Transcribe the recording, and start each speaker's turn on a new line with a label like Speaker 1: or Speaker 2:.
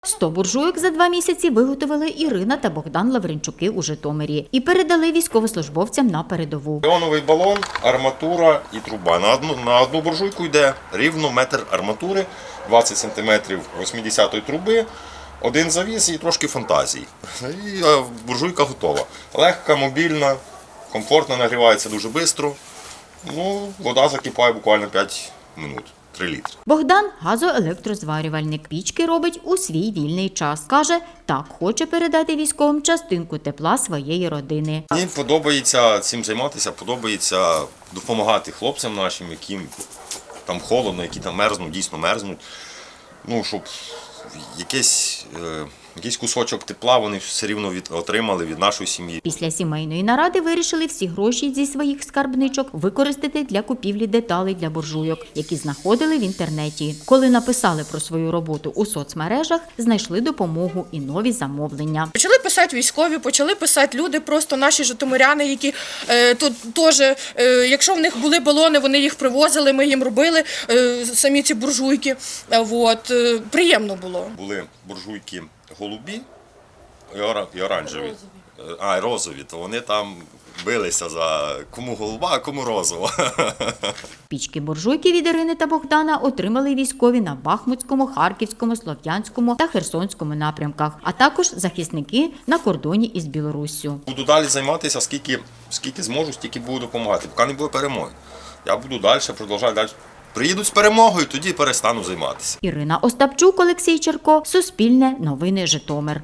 Speaker 1: 100 буржуйок за 2 місяці виготовили Ірина та Богдан Лавренчуки у Житомирі і передали військовослужбовцям на передову.
Speaker 2: Іоновий балон, арматура і труба. На одну буржуйку йде рівно метр арматури, 20 см 80-ї труби, один завіс і трошки фантазії. І буржуйка готова. Легка, мобільна, комфортно, нагрівається дуже швидко. Вода закипає буквально 5 минут. 3 літри.
Speaker 1: Богдан – газоелектрозварювальник. Пічки робить у свій вільний час. Каже, так хоче передати військовим частинку тепла своєї родини.
Speaker 2: Мені подобається цим займатися, подобається допомагати хлопцям нашим, яким там холодно, які там мерзнуть, дійсно мерзнуть. Щоб якийсь кусочок тепла вони все рівно отримали від нашої сім'ї.
Speaker 1: Після сімейної наради вирішили всі гроші зі своїх скарбничок використати для купівлі деталей для буржуйок, які знаходили в інтернеті. Коли написали про свою роботу у соцмережах, знайшли допомогу і нові замовлення.
Speaker 3: Почали писати військові, почали писати люди, просто наші житомиряни, які тут теж, якщо в них були балони, вони їх привозили, ми їм робили самі ці буржуйки. Приємно було.
Speaker 2: Були буржуйки голубі і оранжеві. І розові, то вони там билися за кому голуба, а кому розова.
Speaker 1: Пічки-буржуйки від Ірини та Богдана отримали військові на Бахмутському, Харківському, Слов'янському та Херсонському напрямках, а також захисники на кордоні із Білоруссю.
Speaker 2: Буду далі займатися, скільки зможу, стільки буду допомагати, поки не буде перемоги. Я буду далі, продовжувати далі. Приїдуть з перемогою, тоді перестану займатися.
Speaker 1: Ірина Остапчук, Олексій Черко, Суспільне, Новини Житомир.